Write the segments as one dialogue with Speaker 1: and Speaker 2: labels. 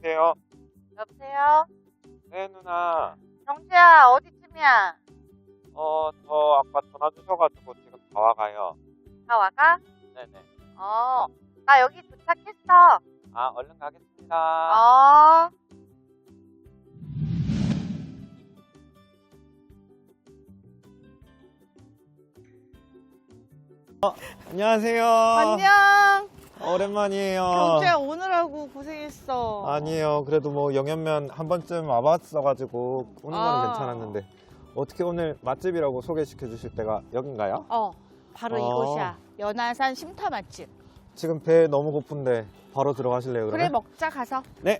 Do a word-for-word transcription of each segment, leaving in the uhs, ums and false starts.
Speaker 1: 여보세요?
Speaker 2: 여보세요?
Speaker 1: 네, 누나.
Speaker 2: 정지야, 어디쯤이야?
Speaker 1: 어, 저 아까 전화 주셔가지고 지금 다 와가요.
Speaker 2: 다 와가?
Speaker 1: 네네.
Speaker 2: 어, 나 여기 도착했어.
Speaker 1: 아, 얼른 가겠습니다.
Speaker 2: 어.
Speaker 1: 안녕하세요.
Speaker 3: 안녕.
Speaker 1: 오랜만이에요.
Speaker 3: 경주야 오느라고 고생했어.
Speaker 1: 아니에요. 그래도 뭐 영현면 한 번쯤 와봤어가지고 오는 거는
Speaker 3: 아.
Speaker 1: 괜찮았는데 어떻게 오늘 맛집이라고 소개시켜 주실 때가 여긴가요?
Speaker 3: 어, 바로
Speaker 1: 어.
Speaker 3: 이곳이야. 연안산 쉼터 맛집.
Speaker 1: 지금 배 너무 고픈데 바로 들어가실래요?
Speaker 3: 그래
Speaker 1: 그러면?
Speaker 3: 먹자 가서.
Speaker 1: 네.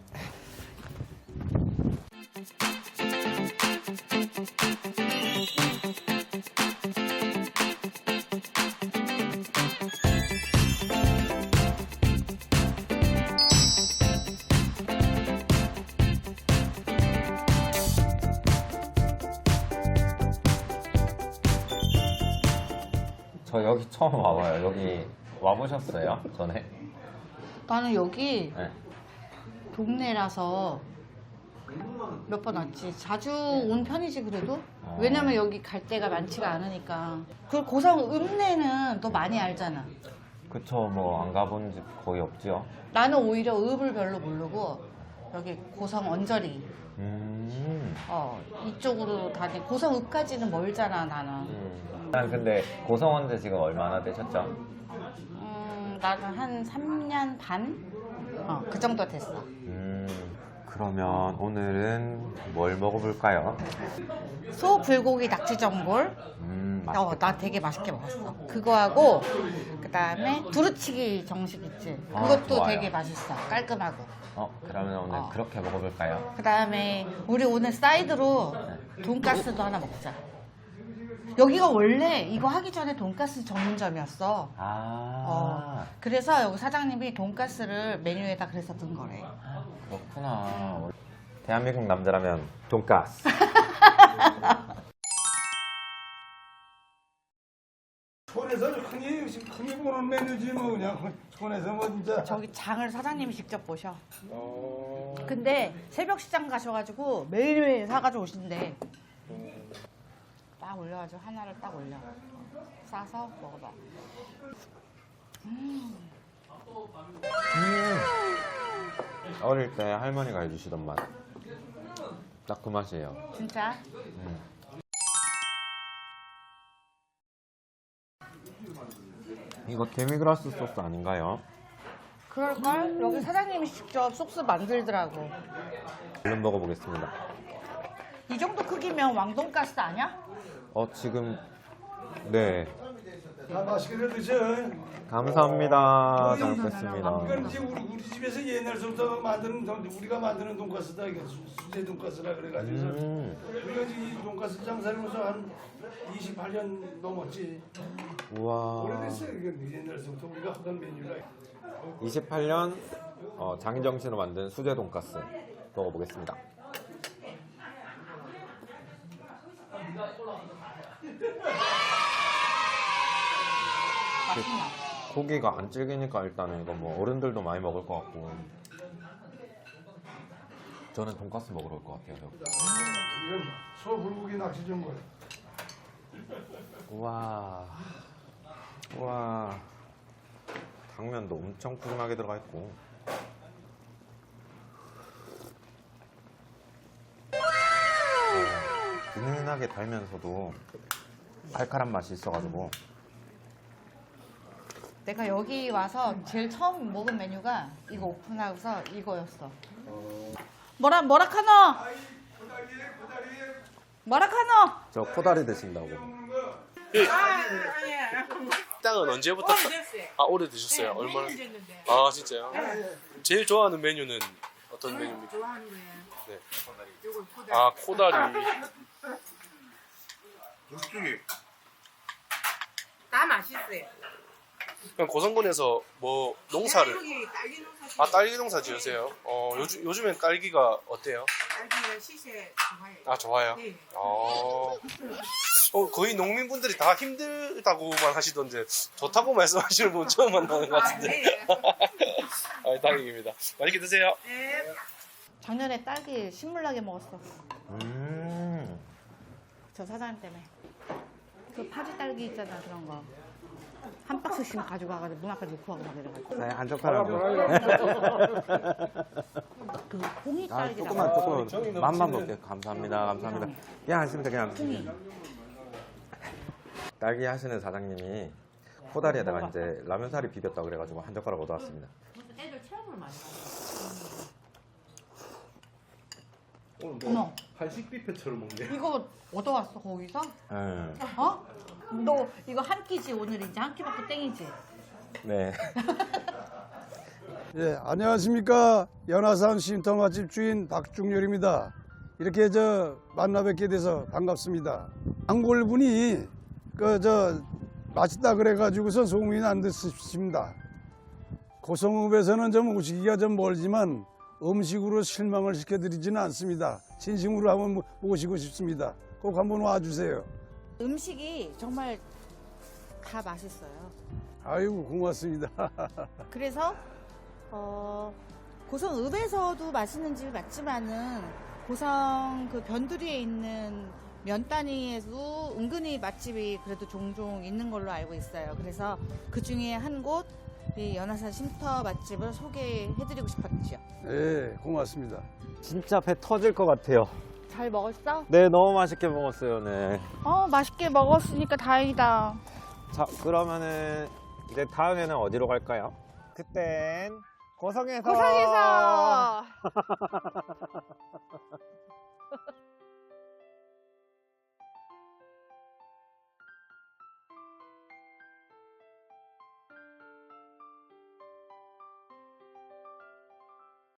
Speaker 1: 저 여기 처음 와봐요. 여기 와보셨어요? 전에?
Speaker 3: 나는 여기
Speaker 1: 네.
Speaker 3: 동네라서 몇 번 왔지. 자주 온 편이지 그래도.
Speaker 1: 어.
Speaker 3: 왜냐면 여기 갈 데가 많지가 않으니까. 그 고성 읍내는 너 많이 알잖아.
Speaker 1: 그쵸. 뭐 안 가본 집 거의 없지요.
Speaker 3: 나는 오히려 읍을 별로 모르고 여기 고성 언저리.
Speaker 1: 음.
Speaker 3: 어 이쪽으로 다니. 고성 읍까지는 멀잖아 나는.
Speaker 1: 음. 난 근데 고성원제 지금 얼마나 되셨죠?
Speaker 3: 음, 나는 한 삼 년 반? 어, 그 정도 됐어.
Speaker 1: 음. 그러면 오늘은 뭘 먹어볼까요?
Speaker 3: 소 불고기 낙지전골.
Speaker 1: 음.
Speaker 3: 어,
Speaker 1: 맛있겠다.
Speaker 3: 나 되게 맛있게 먹었어. 그거하고 그 다음에 두루치기 정식 있지.
Speaker 1: 아,
Speaker 3: 그것도
Speaker 1: 좋아요.
Speaker 3: 되게 맛있어. 깔끔하고.
Speaker 1: 어, 그러면 오늘
Speaker 3: 어.
Speaker 1: 그렇게 먹어볼까요?
Speaker 3: 그 다음에 우리 오늘 사이드로 돈가스도 하나 먹자. 여기가 원래 이거 하기 전에 돈가스 전문점이었어.
Speaker 1: 아.
Speaker 3: 어, 그래서 여기 사장님이 돈가스를 메뉴에다 그래서 든 거래.
Speaker 1: 그렇구나. 대한민국 남자라면 돈가스.
Speaker 4: 촌에서 흔히 흔히 보는 메뉴지 뭐 그냥 촌에서 뭐 진짜.
Speaker 3: 저기 장을 사장님이 직접 보셔.
Speaker 4: 어...
Speaker 3: 근데 새벽 시장 가셔가지고 매일매일 사가지고 오신대. 딱 올려가지고 하나를 딱 올려. 싸서 먹어봐.
Speaker 1: 음. 어릴 때 할머니가 해주시던 맛. 딱 그 맛이에요.
Speaker 3: 진짜?
Speaker 1: 음. 이거 데미그라스 소스 아닌가요?
Speaker 3: 그럴걸? 여기 사장님이 직접 소스 만들더라고.
Speaker 1: 얼른 먹어보겠습니다.
Speaker 3: 이 정도 크기면 왕돈가스 아니야?
Speaker 1: 어, 지금 네.
Speaker 4: 다 맛있게들 드셔.
Speaker 1: 감사합니다. 잘
Speaker 4: 이건
Speaker 1: 먹겠습니다.
Speaker 4: 이제 우리 우리 집에서 옛날부터 만드는 돈- 우리가 만드는 돈가스다 이게 수- 수제 돈가스라 그래가지고
Speaker 1: 음.
Speaker 4: 우리가 이제 이 돈가스 장사하면서 한 이십팔 년 넘었지.
Speaker 1: 우와.
Speaker 4: 오래됐어요. 이게 옛날부터 우리가 하던 메뉴라.
Speaker 1: 이십팔 년 어, 장희정 씨로 만든 수제 돈가스 먹어보겠습니다.
Speaker 3: 맛있나?
Speaker 1: 고기가 안 질기니까 일단은 이거 뭐 어른들도 많이 먹을 것 같고 저는 돈가스 먹으러 올 것 같아요. 여기.
Speaker 4: 이건 소 불고기 낚시 전골.
Speaker 1: 우와. 우와. 당면도 엄청 푸짐하게 들어가 있고. 어, 은은하게 달면서도 칼칼한 맛이 있어가지고.
Speaker 3: 내가 여기 와서 제일 처음 먹은 메뉴가 이거 오픈하고서 이거였어. 뭐라 뭐라 카노? 뭐라 카노?
Speaker 1: 저 코다리 드신다고.
Speaker 5: 식당은 언제부터? 아, 오래 드셨어요? 얼마나? 아, 진짜요? 제일 좋아하는 메뉴는 어떤 메뉴입니까?
Speaker 6: 좋아하는 거예요.
Speaker 5: 네.
Speaker 6: 요거 코다리.
Speaker 5: 아, 코다리.
Speaker 6: 다 맛있어요.
Speaker 5: 그럼 고성군에서 뭐 농사를
Speaker 6: 여기 딸기 농사.
Speaker 5: 아, 딸기 농사 지으세요? 어, 요즘 요즘엔 딸기가 어때요?
Speaker 6: 딸기가 시세 좋아요.
Speaker 5: 아, 좋아요.
Speaker 6: 네.
Speaker 5: 어. 어, 거의 농민분들이 다 힘들다고만 하시던데 좋다고 말씀하시는 분 처음 만나는 것
Speaker 6: 아,
Speaker 5: 같은데.
Speaker 6: 네.
Speaker 5: 아, 다행입니다. 맛있게 드세요.
Speaker 6: 네.
Speaker 3: 작년에 딸기 신물나게 먹었어.
Speaker 1: 음.
Speaker 3: 저 사장님 때문에. 그 파지 딸기 있잖아, 그런 거. 한 박스씩 가지고 와가지고 문 앞에 놓고 가고 막 이래가지고.
Speaker 1: 네, 한 젓가락.
Speaker 3: 그 홍이
Speaker 1: 아,
Speaker 3: 딸기라고.
Speaker 1: 조금만 조금 맛만 볼게요. 감사합니다. 감사합니다. 그냥 하시면 그냥.
Speaker 3: 홍이.
Speaker 1: 딸기 하시는 사장님이 코다리에다가 이제 라면사리 비볐다 그래가지고 한 젓가락 얻어왔습니다.
Speaker 3: 애들 체험을 많이
Speaker 5: 오늘
Speaker 3: 어머.
Speaker 5: 뭐 한식 뷔페처럼 먹네.
Speaker 3: 이거 얻어왔어, 거기서?
Speaker 1: 음.
Speaker 3: 어? 너 이거 한 끼지, 오늘 이제 한 끼밖에 땡이지?
Speaker 1: 네.
Speaker 4: 예, 안녕하십니까. 연화산 쉼터 맛집 주인 박중렬입니다. 이렇게 저 만나 뵙게 돼서 반갑습니다. 단골분이 그 저 맛있다 그래가지고서 소문이 난 듯 싶습니다. 고성읍에서는 좀 오시기가 좀 멀지만 음식으로 실망을 시켜드리지는 않습니다. 진심으로 한번 모시고 싶습니다. 꼭 한번 와주세요.
Speaker 3: 음식이 정말 다 맛있어요.
Speaker 4: 아이고 고맙습니다.
Speaker 3: 그래서 어, 고성읍에서도 맛있는 집이 많지만은 고성 그 변두리에 있는 면단위에도 은근히 맛집이 그래도 종종 있는 걸로 알고 있어요. 그래서 그 중에 한 곳 이 연화산 쉼터 맛집을 소개해드리고 싶었죠.
Speaker 4: 네, 고맙습니다.
Speaker 1: 진짜 배 터질 것 같아요.
Speaker 3: 잘 먹었어?
Speaker 1: 네, 너무 맛있게 먹었어요. 네.
Speaker 3: 어, 맛있게 먹었으니까 다행이다.
Speaker 1: 자, 그러면은 이제 다음에는 어디로 갈까요? 그땐 고성에서.
Speaker 3: 고성에서